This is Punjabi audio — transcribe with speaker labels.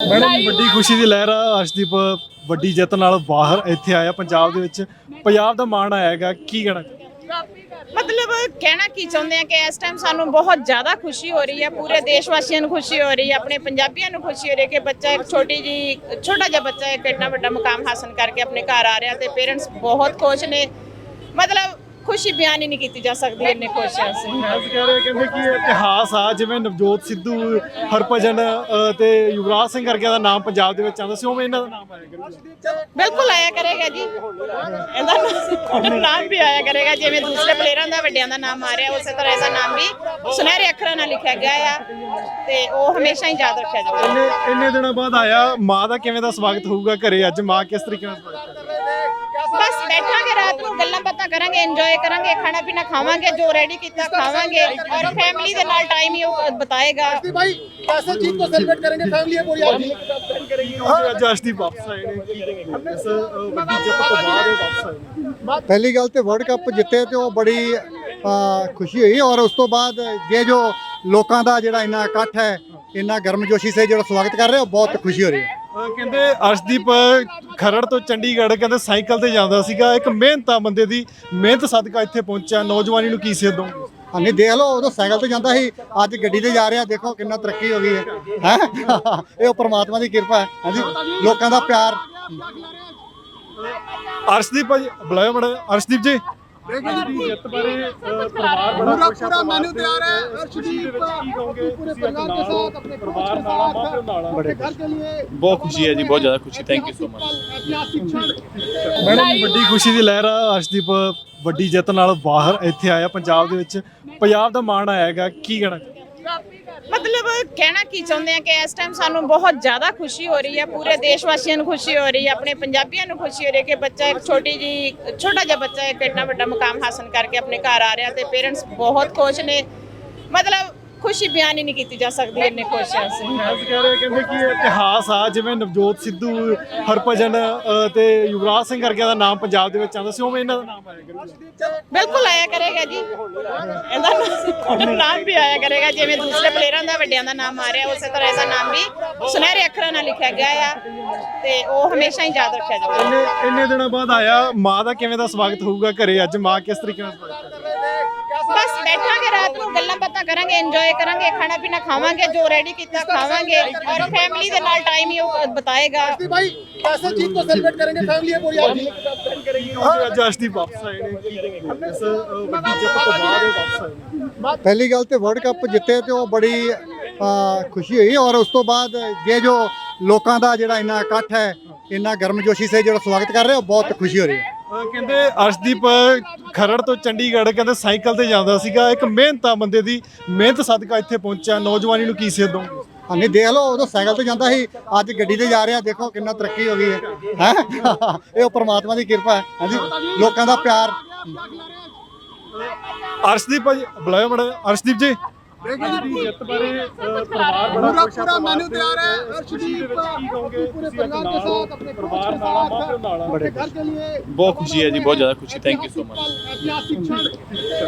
Speaker 1: ਮੈਡਮ ਵੱਡੀ ਖੁਸ਼ੀ ਦੀ ਲਹਿਰ ਆ। ਅਰਸ਼ਦੀਪ ਵੱਡੀ ਜਿੱਤ ਨਾਲ ਬਾਹਰ ਇੱਥੇ ਆਇਆ, ਪੰਜਾਬ ਦੇ ਵਿੱਚ ਪੰਜਾਬ ਦਾ ਮਾਣ ਆਇਆ ਹੈਗਾ, ਕੀ ਕਹਿਣਾ?
Speaker 2: मतलब कहना की चाहते हैं कि इस टाइम सानू बहुत ज़्यादा खुशी हो रही है, पूरे देशवासियों को खुशी हो रही है, अपने पंजाबियों को खुशी हो रही है कि बच्चा एक छोटा जा बच्चा एक इतना बड़ा मुकाम हासिल करके अपने घर आ रहा है। तो पेरेंट्स बहुत खुश ने, मतलब खुशी बयान ही नहीं की जा सकती, इन्ने खुश हैं ਅਸੀਂ।
Speaker 1: ਫੈਨਸ ਕਹਿ ਰਹੇ ਕਹਿੰਦੇ ਕਿ ਇਤਿਹਾਸ ਆ, ਜਿਵੇਂ ਨਵਜੋਤ ਸਿੱਧੂ, ਹਰਭਜਨ ਤੇ ਯੁਵਰਾਜ ਸਿੰਘ ਵਰਗਿਆਂ ਦਾ ਨਾਮ ਪੰਜਾਬ ਦੇ ਵਿੱਚ ਆਉਂਦਾ ਸੀ, ਉਵੇਂ ਇਹਨਾਂ ਦਾ ਨਾਮ ਆਇਆ ਕਰੂਗਾ।
Speaker 2: ਬਿਲਕੁਲ ਆਇਆ ਕਰੇਗਾ ਜੀ, ਇਹਦਾ ਨਾਮ ਵੀ ਆਇਆ ਕਰੇਗਾ। ਜਿਵੇਂ ਦੂਸਰੇ ਪਲੇਅਰਾਂ ਦਾ ਵੱਡਿਆਂ ਦਾ ਨਾਮ ਆ ਰਿਹਾ, ਉਸੇ ਤਰ੍ਹਾਂ ਇਹਦਾ ਨਾਮ ਵੀ ਸੁਨਹਿਰੇ ਅੱਖਰਾਂ ਨਾਲ ਲਿਖਿਆ ਗਿਆ ਆ ਤੇ ਉਹ ਹਮੇਸ਼ਾ ਹੀ ਯਾਦ ਰੱਖਿਆ ਜਾਊਗਾ।
Speaker 1: ਇੰਨੇ ਦਿਨਾਂ ਬਾਅਦ ਆਇਆ, ਮਾਂ ਦਾ ਕਿਵੇਂ ਦਾ ਸਵਾਗਤ ਹੋਊਗਾ ਘਰੇ? ਅੱਜ ਮਾਂ ਕਿਸ ਤਰੀਕੇ ਨਾਲ ਸਵਾਗਤ ਕਰੇਗੀ?
Speaker 2: बस बैठांगे रात को गल्लां बातां करांगे, एंजॉय करांगे, खाना पीना खावांगे, जो रेडी कीता खावांगे और फैमिली दे नाल टाइम ही बताएगा।
Speaker 3: भाई कैसे जीत को सेलिब्रेट करेंगे फैमिली है पूरी आपकी?
Speaker 1: ਅੱਜ ਅਰਸ਼ਦੀਪ ਵਾਪਸ ਆਏ ਨੇ, ਕੀ ਇਸ ਵੱਡੀ ਜਿੱਤ ਤੋਂ ਬਾਅਦ ਇਹ ਵਾਪਸ ਆਏ ਨੇ।
Speaker 3: पहली गल तो वर्ल्ड कप जिते तो बड़ी खुशी हुई और उस तो बाद ये जो लोगों का जो इन्ना इकट्ठ है, इन्ना गर्मजोशी से जो स्वागत कर रहे हो, बहुत खुशी हो रही है।
Speaker 1: ਕਹਿੰਦੇ ਅਰਸ਼ਦੀਪ ਖਰੜ ਤੋਂ ਚੰਡੀਗੜ੍ਹ ਕਹਿੰਦੇ ਸਾਈਕਲ ਤੇ ਜਾਂਦਾ ਸੀਗਾ, ਇੱਕ ਮਿਹਨਤਾ ਬੰਦੇ ਦੀ ਮਿਹਨਤ ਸਦਕਾ ਇੱਥੇ ਪਹੁੰਚਿਆ। ਨੌਜਵਾਨੀ ਨੂੰ ਕੀ ਸੇਧ ਦੋਗੇ?
Speaker 3: ਹਾਂਜੀ ਦੇਖ ਲਓ, ਉਦੋਂ ਸਾਈਕਲ ਤੇ ਜਾਂਦਾ ਸੀ, ਅੱਜ ਗੱਡੀ ਤੇ ਜਾ ਰਿਹਾ, ਦੇਖੋ ਕਿੰਨਾ ਤਰੱਕੀ ਹੋ ਗਈ ਹੈ ਇਹ ਪ੍ਰਮਾਤਮਾ ਦੀ ਕਿਰਪਾ ਹੈ। ਹਾਂਜੀ, ਲੋਕਾਂ ਦਾ ਪਿਆਰ।
Speaker 1: ਅਰਸ਼ਦੀਪ ਭਾਜੀ ਬੁਲਾਇਆ ਬੜਾ। ਅਰਸ਼ਦੀਪ ਜੀ ਜਿੱਤ ਬਾਰੇ ਪਰਿਵਾਰ ਬੜਾ ਖੁਸ਼ ਹੈ,
Speaker 3: मेन्यू तैयार है।
Speaker 1: अर्शदीप ਕੀ ਕਹੋਗੇ?
Speaker 3: पूरे
Speaker 1: ਤੁਸੀਂ
Speaker 3: परिवार के साथ अपने
Speaker 1: ਪਰਿਵਾਰ ਨਾਲ ਆ, ਮਾਪਿਓ ਨਾਲ ਆ।
Speaker 3: अपने घर के लिए
Speaker 4: बहुत खुशी है जी, बहुत ज़्यादा खुशी। Thank you so much.
Speaker 3: ऐतिहासिक क्षण।
Speaker 1: ਮੈਡਮ ਵੱਡੀ ਖੁਸ਼ੀ ਦੀ ਲਹਿਰ ਆ। ਅਰਸ਼ਦੀਪ ਵੱਡੀ ਜਿੱਤ ਨਾਲ ਬਾਹਰ ਇੱਥੇ ਆਇਆ, ਪੰਜਾਬ ਦੇ ਵਿੱਚ ਪੰਜਾਬ ਦਾ ਮਾਣ ਆਇਆ ਹੈਗਾ, ਕੀ ਕਹਿਣਾ?
Speaker 2: मतलब कहना की चाहते हैं कि इस टाइम सानू बहुत ज़्यादा खुशी हो रही है, पूरे देशवासियों को खुशी हो रही है, अपने पंजाबियों को खुशी हो रही है कि बच्चा एक छोटा जा बच्चा एक इतना बड़ा मुकाम हासिल करके अपने घर आ रहा है। तो पेरेंट्स बहुत खुश ने, मतलब खुशी बयान ही नहीं की जा सकती, इन्ने खुश हैं ਅਸੀਂ।
Speaker 1: ਫੈਨਸ ਕਹਿ ਰਹੇ ਕਹਿੰਦੇ ਕਿ ਇਤਿਹਾਸ ਆ, ਜਿਵੇਂ ਨਵਜੋਤ ਸਿੱਧੂ, ਹਰਭਜਨ ਤੇ ਯੁਵਰਾਜ ਸਿੰਘ ਵਰਗਿਆਂ ਦਾ ਨਾਮ ਪੰਜਾਬ ਦੇ ਵਿੱਚ ਆਉਂਦਾ ਸੀ, ਉਵੇਂ ਇਹਨਾਂ ਦਾ ਨਾਮ ਆਇਆ ਕਰੂਗਾ।
Speaker 2: ਬਿਲਕੁਲ ਆਇਆ ਕਰੇਗਾ ਜੀ, ਇਹਦਾ ਨਾਮ ਵੀ ਆਇਆ ਕਰੇਗਾ। ਜਿਵੇਂ ਦੂਸਰੇ ਪਲੇਅਰਾਂ ਦਾ ਵੱਡਿਆਂ ਦਾ ਨਾਮ ਆ ਰਿਹਾ, ਉਸੇ ਤਰ੍ਹਾਂ ਇਹਦਾ ਨਾਮ ਵੀ ਸੁਨਹਿਰੇ ਅੱਖਰਾਂ ਨਾਲ ਲਿਖਿਆ ਗਿਆ ਆ ਤੇ ਉਹ ਹਮੇਸ਼ਾ ਹੀ ਯਾਦ ਰੱਖਿਆ ਜਾਊਗਾ।
Speaker 1: ਇੰਨੇ ਦਿਨਾਂ ਬਾਅਦ ਆਇਆ, ਮਾਂ ਦਾ ਕਿਵੇਂ ਦਾ ਸਵਾਗਤ ਹੋਊਗਾ ਘਰੇ? ਅੱਜ ਮਾਂ ਕਿਸ ਤਰੀਕੇ ਨਾਲ ਸਵਾਗਤ ਕਰੇਗੀ?
Speaker 2: बस बैठांगे रात को गल्लां बातां करांगे, एंजॉय करांगे, खाना पीना खावांगे, जो रेडी कीता खावांगे और फैमिली दे नाल टाइम ही बताएगा।
Speaker 3: भाई कैसे जीत को सेलिब्रेट करेंगे फैमिली है पूरी आपकी?
Speaker 1: ਅੱਜ ਅਰਸ਼ਦੀਪ ਵਾਪਸ ਆਏ ਨੇ, ਕੀ ਇਸ ਵੱਡੀ ਜਿੱਤ ਤੋਂ ਬਾਅਦ ਇਹ ਵਾਪਸ ਆਏ ਨੇ।
Speaker 3: पहली गल तो वर्ल्ड कप जिते तो बड़ी खुशी हुई और उस तो बाद ये जो लोगों का जो इन्ना इकट्ठ है, इन्ना गर्मजोशी से जो स्वागत कर रहे हो, बहुत खुशी हो रही है।
Speaker 1: ਕਹਿੰਦੇ ਅਰਸ਼ਦੀਪ ਖਰੜ ਤੋਂ ਚੰਡੀਗੜ੍ਹ ਕਹਿੰਦੇ ਸਾਈਕਲ ਤੇ ਜਾਂਦਾ ਸੀਗਾ, ਇੱਕ ਮਿਹਨਤਾ ਬੰਦੇ ਦੀ ਮਿਹਨਤ ਸਦਕਾ ਇੱਥੇ ਪਹੁੰਚਿਆ। ਨੌਜਵਾਨੀ ਨੂੰ ਕੀ ਸੇਧ ਦੋਗੇ?
Speaker 3: ਹਾਂਜੀ ਦੇਖ ਲਓ, ਉਦੋਂ ਸਾਈਕਲ ਤੇ ਜਾਂਦਾ ਸੀ, ਅੱਜ ਗੱਡੀ ਤੇ ਜਾ ਰਿਹਾ, ਦੇਖੋ ਕਿੰਨਾ ਤਰੱਕੀ ਹੋ ਗਈ ਹੈ ਇਹ ਪ੍ਰਮਾਤਮਾ ਦੀ ਕਿਰਪਾ ਹੈ। ਹਾਂਜੀ, ਲੋਕਾਂ ਦਾ ਪਿਆਰ।
Speaker 1: ਅਰਸ਼ਦੀਪ ਭਾਜੀ ਬੁਲਾਇਆ ਬੜਾ। ਅਰਸ਼ਦੀਪ ਜੀ ਜਿੱਤ ਬਾਰੇ ਪਰਿਵਾਰ ਬੜਾ ਖੁਸ਼ ਹੈ,
Speaker 3: मेन्यू तैयार है।
Speaker 1: अर्शदीप ਕੀ ਕਹੋਗੇ?
Speaker 3: पूरे
Speaker 1: ਤੁਸੀਂ
Speaker 3: परिवार के साथ अपने
Speaker 1: ਪਰਿਵਾਰ ਨਾਲ ਆ, ਮਾਪਿਓ ਨਾਲ ਆ।
Speaker 3: अपने घर के लिए
Speaker 4: बहुत खुशी है जी, बहुत ज़्यादा खुशी। Thank you so much.
Speaker 3: ऐतिहासिक क्षण।